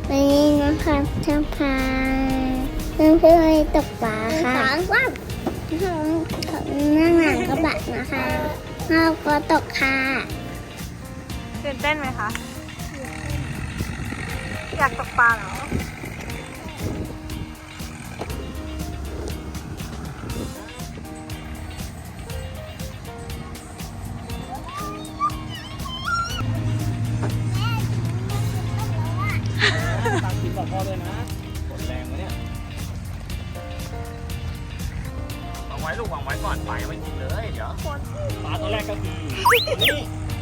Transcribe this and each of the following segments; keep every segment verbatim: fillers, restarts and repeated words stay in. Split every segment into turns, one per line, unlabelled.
วันนี้นะคะจะพาเพื่อนเพื่อนตกปลาค่ะว้าวนั่งหลังกระบะนะคะเราก็ตกค่ะ
ตื่นเต้นไหมคะอยากตกปลาเหรอ
ตามกินบอกพ่อด้วยนะกดแรงวะเนี่ยวางไว้ลูกวางไว้ก่อนปลายังไม่กินเลยเดี๋ยวปลาตัวแรกก็คือนี่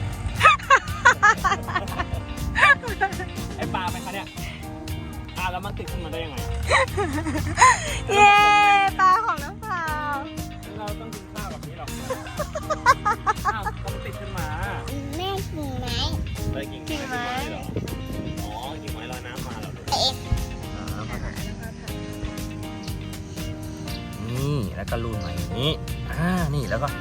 ไอปลาไหมคะเนี่ยอ่าแล้วมันติดขึ้นมาได้ยังไง
เย้ปลาของน้องเปล่า
เราต้องกินข้าวแบบนี้หรอกอ้าวก็มันติดขึ้นมา
แม่กิ่งไม้
เลยกิ่งไม้เหรออ๋อกิ่งไม้ลอยน้ำมาเหรอนี่แล้วก็รูนมาอย่างนี้อ่านี่แล้วก็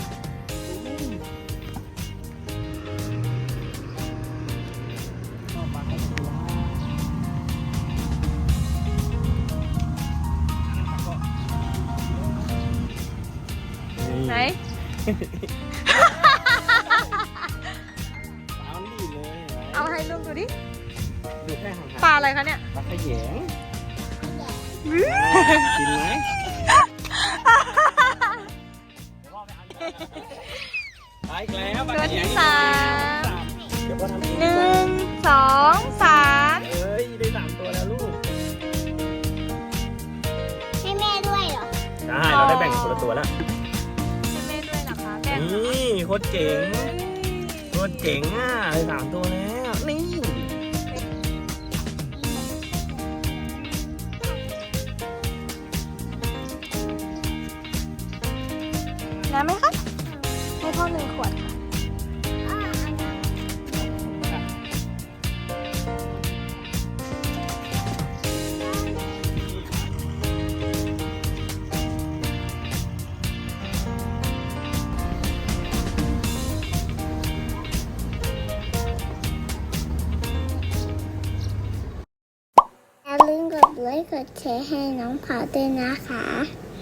ไหน
เอาดีเลย
เอาให้ลุงดูดิ
ดูแค่ห่างๆ
ปลาอะไรคะเนี่ย
ปลาขยงกินไหมไปอีกแล้วปลาขยง
ตัวที่สาม
เดี๋ยวก็ทำอีก
หนึ่งสองสาม
เอ้ยได้สามตัวแล้วลูก
ให้แม่ด้วยเหรอ
ได้เราได้แบ่งคนละตัวแล้ว
ให้แม่ด้วยเหรอคะแบ่งเหรอ
นี่โคตรเจ๋งโคตรเจ๋งอ่ะได้สามตัวแล้วนี่
น้ำไหมคะให้พ่อหนึ่งขวดค่ะ
อย่าลืมกดไลค์กดแชร์ให้น้องเผาด้วยนะคะ